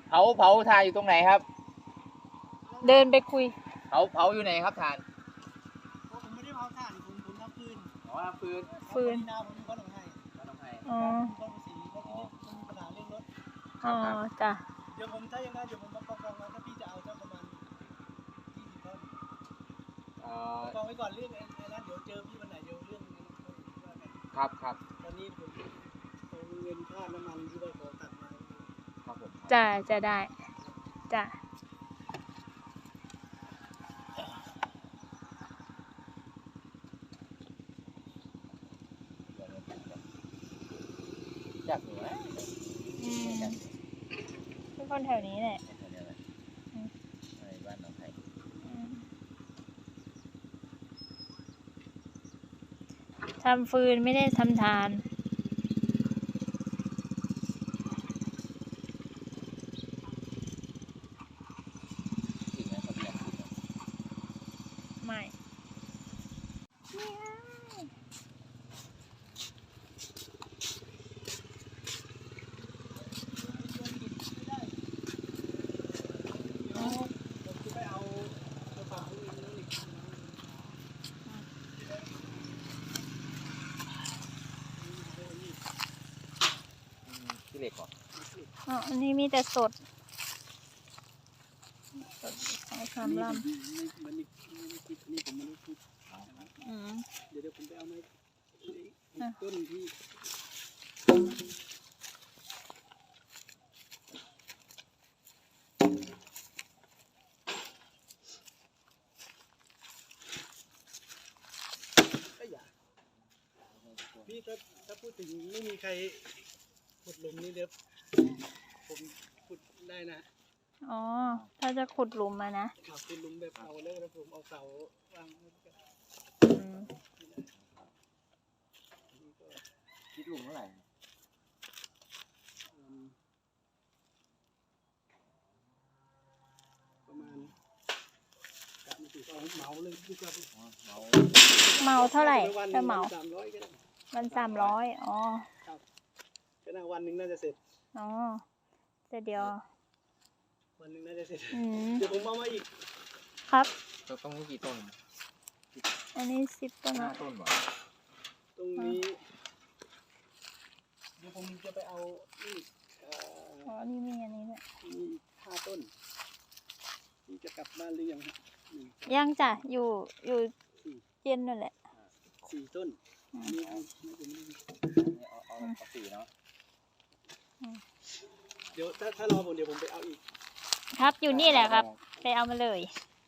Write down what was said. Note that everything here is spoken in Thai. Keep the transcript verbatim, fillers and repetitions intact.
เผาเผาทานอยู่ตรงไหนครับเดินไปคุยเผาเผาอยู่ไหนครับทานผมไม่ได้เผาถ่านผมผมทำฟืนอ๋อฟืนฟืนนาผมมีคนหลงให้มาทำไมอ๋อคนสีแล้วทีนี้มันมีปัญหาเรื่องรถอ๋อจ้ะเดี๋ยวผมถ้ายังได้เดี๋ยวผมมากองกองไว้ถ้าพี่จะเอาสักประมาณยี่สิบต้นกองไว้ก่อนเรื่องไอ้นั้นเดี๋ยวเจอพี่วันไหนเดี๋ยวเรื่องนั้นว่ากันครับครับตอนนี้ผมเอาเงินค่าน้ำมันที่ว่าขอตัดมาครับผมจ้ะจะได้จ้ะอยากหนูนะอืมเป็นคนแถวนี้แหละบ้านหนองไผ่ทำฟืนไม่ได้ทำทานไม่ที่เหล็กก่อนอ๋ออันนี้มีแต่สดสดสองสามลำอืมเดี๋ยวผมไปเอาไม้ต้นที่พี่ถ้าถ้าพูดถึงไม่มีใครขุดหลุมนี่เดี๋ยวผมขุดได้นะอ๋อถ้าจะขุดหลุมมานะขุดหลุมแบบเอาแล้วแล้วผมเอาเสาวางคิดหลุมเท่าไหร่ประมาณกะมาถึงเอาเหมาเลยดีกว่าเหมาเมาเท่าไหร่ถ้าเหมาสามร้อยก็ได้วันสามร้อยอ๋อครับก็น่าวันหนึ่งน่าจะเสร็จอ๋อแต่เดียววันหนึ่งน่าจะเสร็จอืมเดี๋ยวผมเอามาอีกครับตรงนี้กี่ต้นอันนี้สิบต้นห้าต้นหรอตรงนี้เดี๋ยวผมจะไปเอาอีกอ๋อนี่มีอันนี้เนี่ยมีห้าต้นนี่จะกลับบ้านหรือยังยังจ้ะอยู่อยู่เย็นนั่นแหละสี่ต้นนี่เอาไม่ถึงเอาเอาเอาสี่เนาะเดี๋ยวถ้าถ้ารอผมเดี๋ยวผมไปเอาอีกครับอยู่นี่แหละครับไปเอามาเลย